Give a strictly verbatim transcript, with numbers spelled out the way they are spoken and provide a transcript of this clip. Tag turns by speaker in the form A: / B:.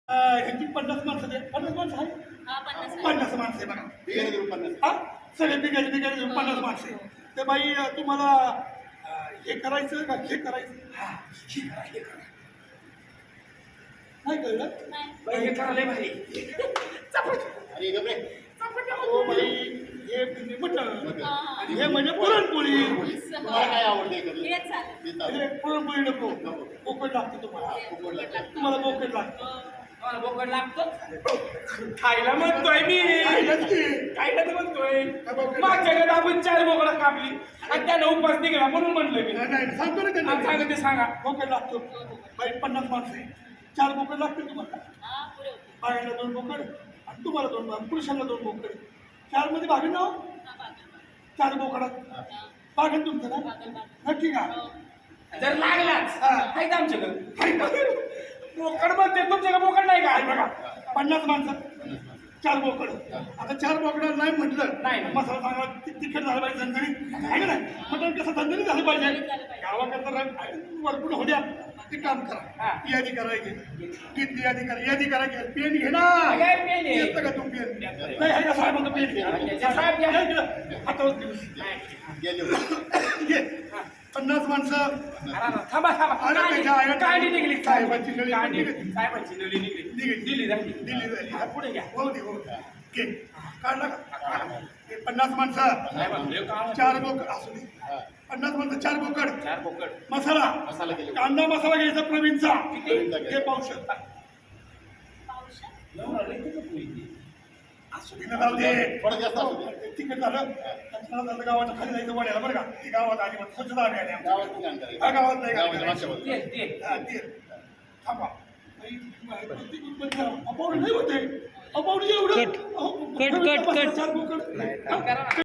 A: ह्यांची पन्नास माणसं दे. पन्नास माणसं आहे
B: हा, पन्नास आहे.
A: पन्नास माणसं आहे बघा.
C: बिगारी देऊन पन्नास.
A: हा सगळे बिगारी बिगारी देऊन पन्नास माणसं आहे. ते बाई तुम्हाला अं, हे करायचं का हे करायचं हा हे करा हे करा नाही कळलं
B: नाही.
A: बाई हे करा लय भारी चपाती.
C: अरे गप्रे.
A: ओ बाई हे म्हणजे मटण आणि हे म्हणजे पुरणपोळी.
C: तुम्हाला काय आवडते कधी?
B: हेच चालेल.
C: ते चालेल.
A: हे पुरणपोळी नको बोकड लागते तुम्हाला
C: खूप लागतं.
A: तुम्हाला बोकड लागतं
D: मला बोकड लागतो खायला म्हणतोय मी
A: खायलाच की.
D: खायला तर म्हणतोय
A: काय बोकड?
D: मागच्या वेळेला आपण चार बोकडा कापली आणि त्यानं उपास निघाला म्हणून म्हणलं मी
A: नाही नाही, सांगतो ना
D: आणि सांगा
A: त्यांना
D: ते सांगा
A: बोकड लागतो बाई पन्नास माणसं आहे चार बोकड लागतील तुम्हाला
B: हा, पुरे होते.
A: बायांना दोन बोकड आणि तुम्हाला दोन आणि पुरुषांना दोन बोकड चार मध्ये भागेल ना हो?
B: हा, बागल,
A: चार बोकडात
B: हा,
A: भागेल तुमचं ना
B: बागल, बागल.
A: नक्की का
B: हो.
D: जर लागलाच
A: हा.
D: आहे का आमच्याकडे
A: हाय का?
D: बोकड म्हणते तुमच्याकडे बोकड नाही
A: काय
D: का
A: बघा पन्नास माणसं चार बोकड आता चार बोकडाला नाही म्हटलं
D: नाही.
A: मसाला चांगला ति- तिखट झालं पाहिजे झणझणीत आहे का नाही मटण कसं झणझणीत झालं पाहिजे
B: झालं पाहिजे.
A: गावाकडचं रंग वरपून होऊ द्या ते काम
D: हा.
A: करा यादी करायची किती यादी करा यादी करायची पेन घे ना
D: काय पेन आहे?
A: येतं का तू पेन नाही आहे का साहेबांचं पेन घे
D: साहेब घ्या.
A: नाही घे. हातावर घे.
C: गेले होते.
A: घे पन्नास माणसं
D: अरे, अरे, थांबा थांबा
A: अरे, त्याच्या
D: कांडी
A: आईला-
D: कांडी निघली
A: साहेबांची नळी
D: कांडी
A: निघली.
D: साहेबांची नळी निघली
A: निघली.
D: दिली झाली
A: दिली झाली.
D: हा, पुढे घ्या
A: हो दे हो घे काढला का हे पन्नास माणसं
D: साहेबांकडे काम
A: चार बोकड असू दे
C: हा.
A: पन्नास माणसं चार बोकड
D: चार बोकड
A: मसाला
C: मसाला केले.
A: कांदा मसाला घ्यायचा प्रवीणचा
C: प्रवीणचा घ्यायचा.
A: हे पावशर
B: पावसात.
D: एवढं लई तिखट होईल ते.
A: असू दे ना जाऊ दे
C: थोडं जास्त असू दे.
A: तिकडे झालं कचरा झालं गावाच्या खाली जायचं वाड्याला बरं का ही गावात आली मग स्वच्छता आली आली आमच्या.
C: गावात कुठे आणता
A: हा, गावात नाही
C: गावाच्या
A: गावात
C: मागच्या बाजूला.
D: ते ते
A: हा, ते. थांबा अपावडी नाही होते अपावडी एवढं
E: कट,
A: अहो,
E: कट, कट, कट.
A: चार बोकड
D: करा ना.